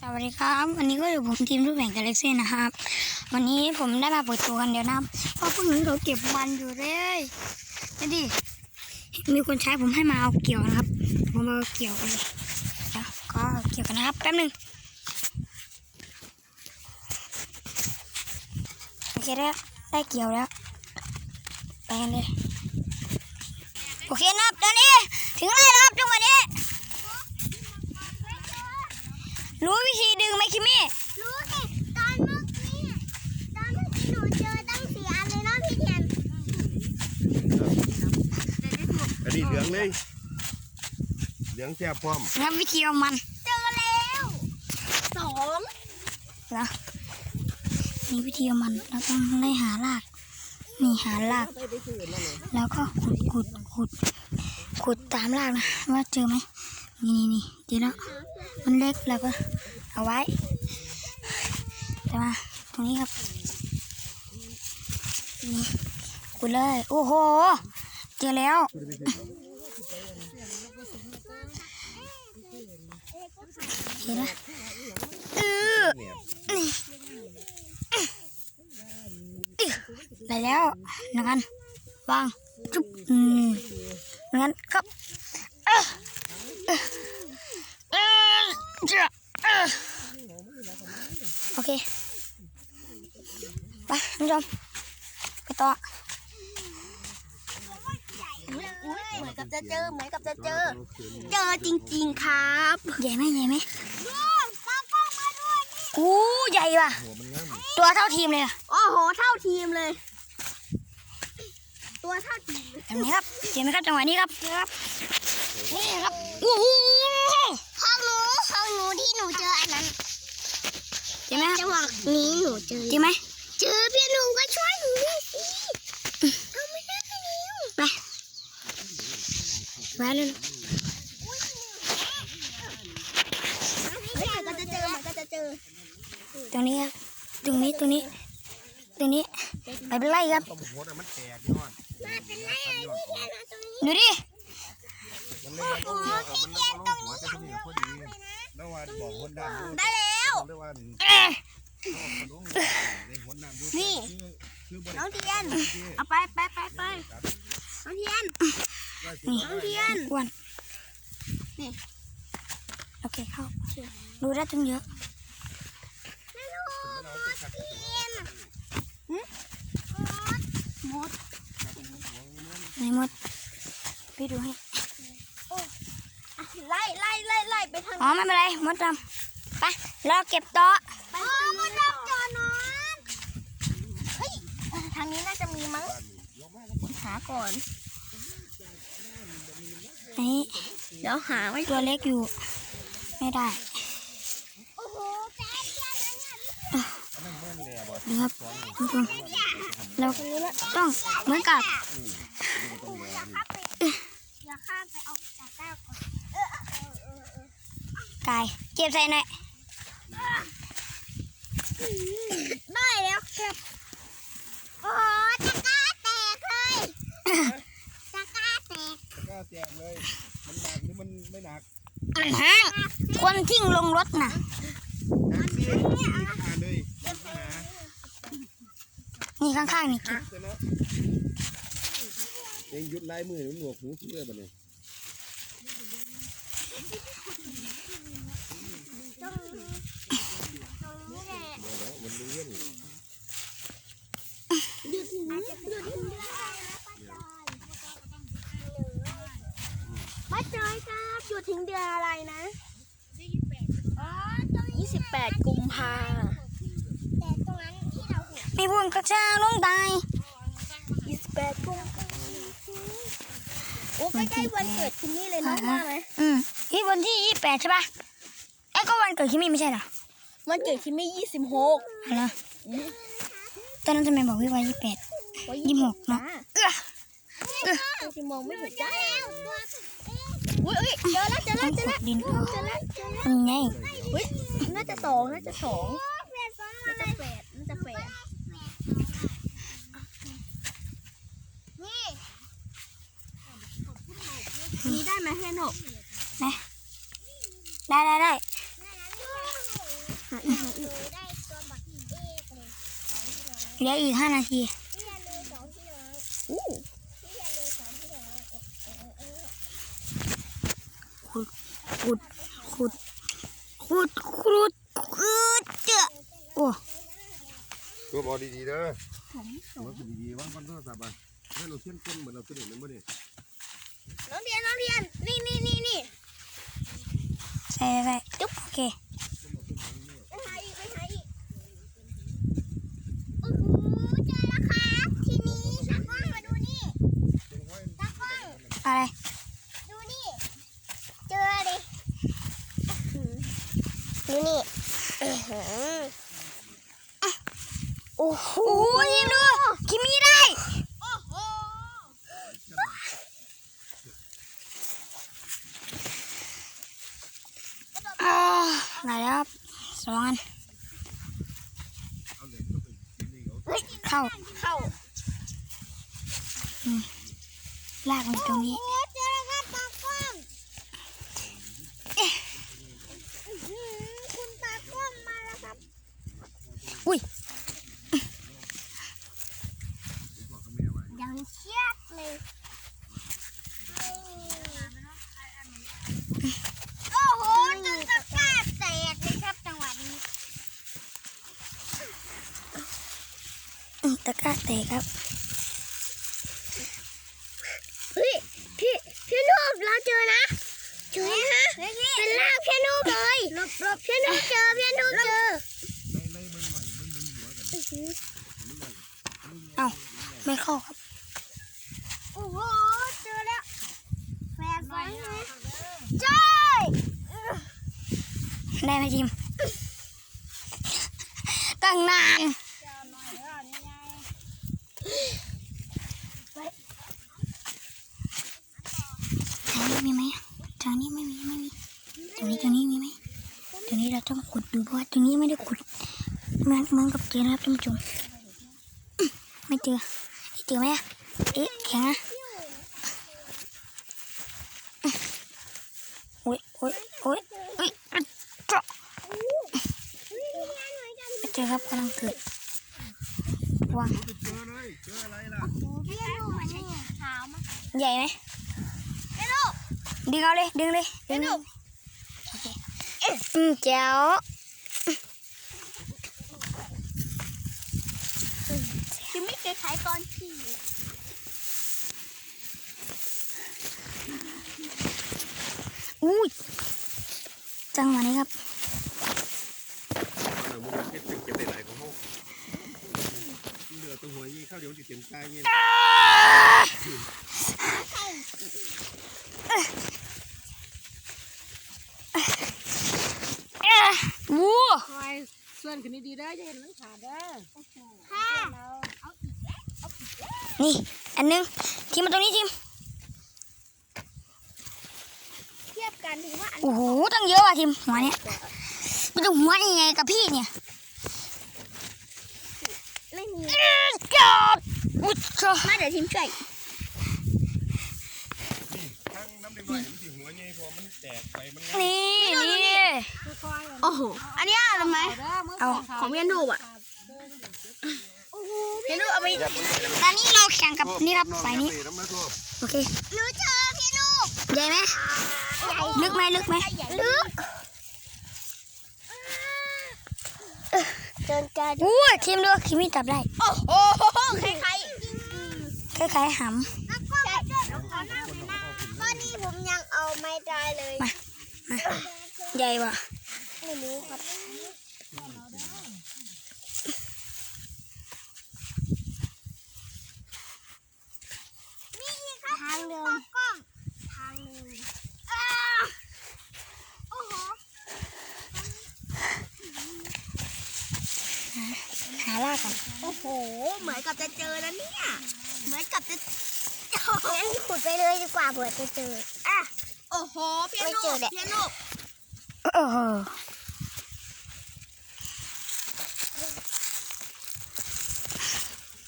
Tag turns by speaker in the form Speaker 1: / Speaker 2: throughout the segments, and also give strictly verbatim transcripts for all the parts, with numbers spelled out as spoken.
Speaker 1: สวัสดีครับวันนี้ก็อยู่ผมทีมรูปแบ่งกาแล็กซี่นะครับวันนี้ผมได้มาเปิดตัวกันเดียวนะเพราะพวกนี้เขาเก็บมันอยู่เลยนี่ดิมีคนใช้ผมให้มาเอาเกี่ยวนะครับผมเอาเกี่ยวกันเลยแล้วก็เกี่ยวกันนะครับแป๊บนึงโอเคแล้วได้เกี่ยวแล้วไปกันเลยโอเคนะครับตอนนี้ถึงแล้วนะครับจังหวะนี้รู้วิธีดึงไหมคิมมี่
Speaker 2: รู้สิตอนเมื่อกี้ตอนเมื่อกี้หนูเจอตั้งสี่อันเลยเนาะพี่เทียน
Speaker 3: อันนี้เหลืองเลยเหลืองแซ่บพร้อม
Speaker 1: แล้ววิธีเอามัน
Speaker 2: เจอแล้วสอง
Speaker 1: แล้วนี่วิธีเอามันเราต้องไล่หารากนี่หารากแล้วก็ขุดขุดขุดขุดตามรากนะว่าเจอไหมนี่นี่นี่เจอแล้วมันเล็กแล้วก็เอาไว้แต่ว่าตรงนี้ครับนี่ขุดเลยโอ้โหเจอแล้วเจอแล้วเออได้แล้วงั้นวางจุ๊บอืมงั้นครับเออเออเออจ้ะเออโอเคไปท่านผู้ชมไปต่อ
Speaker 2: เหมือนกับจะเจอเหมือนกับจะเจอเจอจริงๆครับ
Speaker 1: ใหญ่ไหมใหญ่ไหม
Speaker 2: ตากล้องมาด้วยนี่
Speaker 1: อู้ใหญ่ว่ะตัวเท่าทีมเลย
Speaker 2: โอ้โหเท่าทีมเลยตัวเท่าทีม
Speaker 1: แบบนี้ครับเห็นไหมครับจังหวะนี้ครับครับนี่ครับโอ้โห
Speaker 2: ห้องหนูห้องหนูที่หนูเจออันนั้น
Speaker 1: เห็นไหม
Speaker 2: จังหวะนี้หนูเจอ
Speaker 1: เห็นไหม
Speaker 2: เจอพี่หนูก็ช่วยหนูด้วยสิเอาไม่ได้ไปแล้ว
Speaker 1: ไปไปเลย
Speaker 2: เฮ้ยมันก็จะเจอมันก็จะเจอ
Speaker 1: ตรงนี้ครับตรงนี้ตรงนี้ตรงนี้ไปเป็นไรครับ
Speaker 3: ต้มหัวมันแตกยอด
Speaker 2: มาเป็นไรพี่เทียนมาตรงนี้
Speaker 1: ดูดิ
Speaker 3: มันเลยมันต้องหัวมันต้องหัวจะต้องพอดีแล้วว่าบอกคนดำ
Speaker 2: ได้แล้วนี่น้องเทียนเอาไปไปไปไปน้องเทียน
Speaker 1: นี่
Speaker 2: น้องเทียน
Speaker 1: อ้วน
Speaker 2: นี่
Speaker 1: โอเคเข้าดูได้ตั้งเยอะ
Speaker 2: ไม่รู้เทียนมด
Speaker 1: ไหนมดพี่ดูให้
Speaker 2: ไล่ไล่ไล่ไล่ไปทาง
Speaker 1: อ๋อไม่เป็นไรมดดำไปเราเก็บโต๊ะ
Speaker 2: อ๋อมดดำจอนอนเฮ้ยทางนี้น่าจะมีมั้งหาก่อน
Speaker 1: นี่
Speaker 2: เดี๋ยวหาไว้
Speaker 1: ตัวเล็กอยู่ไม่ได้
Speaker 2: โอ้โหแป๊บเดียวนั้น
Speaker 1: ดูครับทุกคนเราต้องเหมือนกับ
Speaker 2: อย่าข้ามไปเอาตะกร้าก่อน
Speaker 1: กายเก็บใส่หน่อย
Speaker 2: ได้แล้วครับโอ้ตะกร้าแตกเลยตะกร้าแตก
Speaker 3: ตะกร้าแตกเลยมันหนักหรือมันไม่หนัก
Speaker 1: ฮะคนทิ้งลงรถน่ะนี่ข้างๆนี่เก็บ
Speaker 3: เองยุดไล่มือหนวกหูเชื่อแบบนี้
Speaker 2: ป้าจอยครับอยู่ถึงเดือนอะไรนะยี่สิบแปดกุมภาแต่ตรงนั้นที่เราเห็น
Speaker 1: มีพวงกระชากลงตาย
Speaker 2: ยี่สิบแปดกุมภาโอ้ใกล้ๆวันเกิดคิมมี่เลยนะว่าไหม
Speaker 1: อืมที่วันที่ยี่สิบแปดใช่ปะไอ้ก็วันเกิดคิมมี่ไม่ใช่เหรอ
Speaker 2: วันเกิดคิมมี่ยี่สิบหก
Speaker 1: อะไรตอนนั้นทำไมบอกวิวันยี่สิบแปดยี่สิบหกเนาะเออ
Speaker 2: เออจะมองไม่เห็นจ้าอุ้ยเจอแล้วเจอแล้วเจอแล้ว
Speaker 1: ดินเจอ
Speaker 2: แล้ว
Speaker 1: ยังไง
Speaker 2: อุ้ยน่าจะสองน่าจะสองน่าจะแปดน่าจะแปดนี่นี่ได้ไหมเฮนหก
Speaker 1: ได้ได้ได้เหลืออีกห้านาที
Speaker 2: พี่ยันเลยสองพี่น้องอู้พี่ยันเลยสองพี่น้อง
Speaker 1: ขุดขุดขุดขุดขุดขุดเจ้าโอ้
Speaker 3: ตัวบอดีๆเด้อตัวดีๆวางบนโทรศัพท์อ่ะให้เราเชื่อมต้นเหมือนเราตัวเด็กนั่นบ่เนี่ย
Speaker 2: น้องเรียนน้องเรียนนี่นี่นี่นี่
Speaker 1: ใส่ใส่จุ๊บโอเค
Speaker 2: ไปหาอีกไปหาอีกโอ้โหเจอแล้วครับทีนี้ตากล้องมาดูนี่ตากล้อง
Speaker 1: อะไร
Speaker 2: ดูนี่ เจอดิดูนี่โอ้โห
Speaker 1: โอ้ยดูคิมีได้
Speaker 2: โอ้โห
Speaker 1: อ่าได้แล้วครับสองอันเข้า
Speaker 2: เข้า
Speaker 1: ลากมันตรงนี้
Speaker 2: โอ้เจอแล้วครับตากล้องอื้อหือคุณตากล้องมาแล้วครับ
Speaker 1: อุ้ย
Speaker 2: ยังเชือกเลยโอ้โหจนตะกร้าแตกเลยครับจังหวะนี้
Speaker 1: อืมตะกร้าแตกครับ
Speaker 2: เฮ้ยพี่พี่นูบเราเจอนะเจอฮะเป็นลากพี่นูบเลยลบลบพี่นูบเจอพี่นูบเจอ
Speaker 1: เอ้าไม่เข้าครับ
Speaker 2: โอ้โหเจอแล้วแฝดไว้ไหมใช่
Speaker 1: ได้ไหมจิมตั้งนานทางนี้มีไหมทางนี้ไม่มีไม่มีตรงนี้ตรงนี้มีไหมตรงนี้เราต้องขุดดูเพราะว่าตรงนี้ไม่ได้ขุดเหมือนเหมือนกับเจอนะครับท่านผู้ชมอื้อไม่เจอเจอไหมอะเอ๊ะแข็งอะอื้อโอ๊ยโอ๊ยโอ๊ยเอ้ยเจาะไม่เจอครับกำลังเกิดวาง
Speaker 3: เจอเลยเจออะไรล่ะ
Speaker 2: พี่นูบมาใช่เท้ามา
Speaker 1: ใหญ่ไหม
Speaker 2: พี่นูบ
Speaker 1: ดึงเอาเลยดึงเลยดึงเลยโอเคอืมแจ๋ว
Speaker 2: คือไม่เคยขายตอนพี่
Speaker 1: อุ้ยจังหวะนี้ครับ
Speaker 3: เออมึงเก็บเก็บได้หลายของเขาเหลือตัวหัวยี่เข้าเดี๋ยวติดเต็มใจเงี้ย
Speaker 1: วู้
Speaker 4: คอยส่วนขึ้นดีๆได้จะเห็นมันขาดได้
Speaker 2: ค่ะ
Speaker 1: นี่อันนึงทิมมาตรงนี้ทิม
Speaker 2: เทียบกันถือว่าอัน
Speaker 1: โอ้โหตั้งเยอะว่ะทิมหัวเนี้ยมันจะหัวยังไงกับพี่เนี่ย
Speaker 2: ไม่มี
Speaker 1: จอดอุ้ยเจ้า
Speaker 2: มาเดี๋ยวทีมช่วย
Speaker 3: ทั้งน้ำเด็กหน่อยมันสิหัวใหญ่พอมันแตกไปมัน
Speaker 1: นี่นี่
Speaker 2: โอ้โหอันนี้อะไรไหม
Speaker 1: เอา
Speaker 2: ของพี่นูบอ่ะพี่นูบเอาไป
Speaker 1: ตอนนี้เราแข่งกับนี่ครับฝ่ายนี้
Speaker 3: น้ำมันทั่ว
Speaker 1: โอเค
Speaker 2: หนูเจอพี่นูบ
Speaker 1: ใหญ่ไหมลึกไหมลึกไหม
Speaker 2: ลึกเดินกัน
Speaker 1: อู้ยทิมดูทิมมีจับได้
Speaker 2: โอ้โหใครใคร
Speaker 1: คล้ายๆห
Speaker 2: ใช่ก็นี่ผมยังเอาไม่ได้เลย
Speaker 1: ำใหญ่ว่ะ
Speaker 2: ไม่รู้ครับนี่ครับทางเดิมกล้องทางเดิมโอ้โห
Speaker 1: หาลากก่อน
Speaker 2: โอ้โห เหมือนกับจะเจอแล้วเนี่ย เหมือนกับจะงั้นขุดไปเลยดีกว่าเผื่อจะเจอ อ่ะ โอ้โห เพียโนเพียโน
Speaker 1: โอ้โห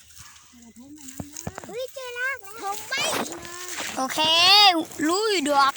Speaker 2: เฮ้ยเจอแล้วผมไม่
Speaker 1: โอเครู้อยู่ดอก